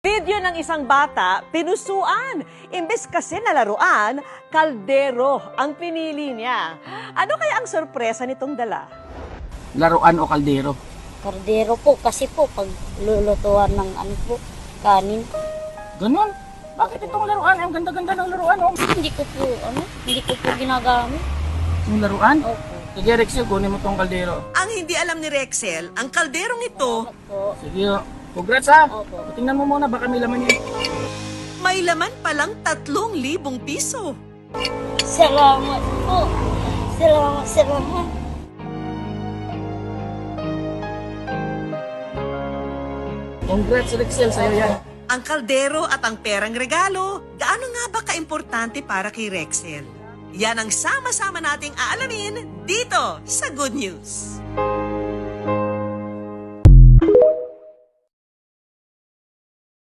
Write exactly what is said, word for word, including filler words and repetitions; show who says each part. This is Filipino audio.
Speaker 1: Video ng isang bata, pinusuan. Imbes kasi na laruan, kaldero ang pinili niya. Ano kaya ang sorpresa nitong dala?
Speaker 2: Laruan o kaldero?
Speaker 3: Kardero po kasi po pag lulutuan ng ano po, kanin.
Speaker 2: Ganon. Bakit itong laruan? Ang ganda-ganda ng laruan, oh.
Speaker 3: Hindi ko po, ano, hindi ko po ginagamit.
Speaker 2: Yung laruan?
Speaker 3: Opo.
Speaker 2: Sige, Rexel, kunin mo tong kaldero.
Speaker 1: Ang hindi alam ni Rexel, ang kalderong ito,
Speaker 3: Po.
Speaker 2: Sige, oh. Congrats, ha.
Speaker 3: Opo.
Speaker 2: Tingnan mo muna, baka may laman yun.
Speaker 1: may laman palang tatlong libong piso.
Speaker 3: Salamat po. Salamat, salamat.
Speaker 2: Congrats, Rexel, sa'yo yan.
Speaker 1: Ang kaldero at ang perang regalo, gaano nga ba kaimportante para kay Rexel? Yan ang sama-sama nating aalamin dito sa Good News.